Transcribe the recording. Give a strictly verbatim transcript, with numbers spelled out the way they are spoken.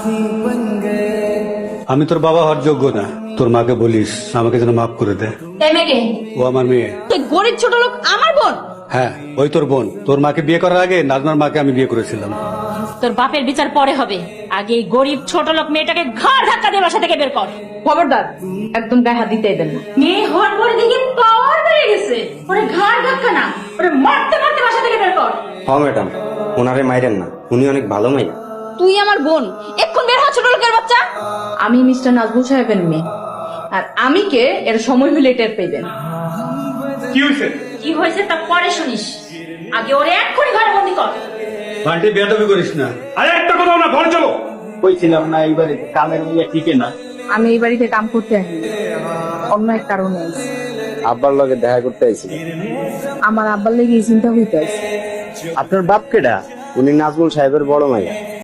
আমি তোর বাবা হওয়ার যোগ্য না, তোর মাকে বলিস আমাকে যেন মাফ করে দে। ও আমার মেয়ে। গরিব ছোট লোক আমার বোন? হ্যাঁ, ওই তোর বোন। তোর মাকে বিয়ে করার আগে নাজমার মাকে আমি বিয়ে করেছিলাম। তোর বাপের বিচার পরে হবে, আগে এই গরিব ছোট লোক মেয়েটাকে ঘাড় ধাক্কা দিয়ে বাসা থেকে বের কর। খবরদার, একদম গায়ে হাত দিতে দেন না। মেয়ে হওয়ার পরে দেখি পাওয়ার বেড়ে গেছে, ওরে ঘাড় ধাক্কা না, ওরে মারতে মারতে বাসা থেকে বের কর। হ্যাঁ ম্যাডাম, ওনারে মাইরেন না, উনি অনেক ভালো মাইয়া। তুই আমার বোন, এক্ষুন বের হ ছোট লোকের বাচ্চা। আমি মিস্টার নাজমুল সাহেবের মেয়ে, আর আমি কে এর সময় হলে টের পেবেন। কি হয়েছে? কি হয়েছে তা পরে শুনিস, আগে ওরে এক্ষুনি ঘরে বন্দি কর। বান্টি বেয়াদবি করিস না। আরে একটা কথা না, ঘরে চলো। কইছিলাম না এইবারে কামের মেয়ে ঠিকই না। আমি এই বাড়িতে কাম করতে আসি, অন্য এক কারণে আইছি। আব্বার লগে দেখা করতে আইছিল। আমার আব্বার লেগে এই চিন্তা হইতে আছে। আপনার বাপ কেডা? উনি নাজমুল সাহেবের বড় মাইয়া।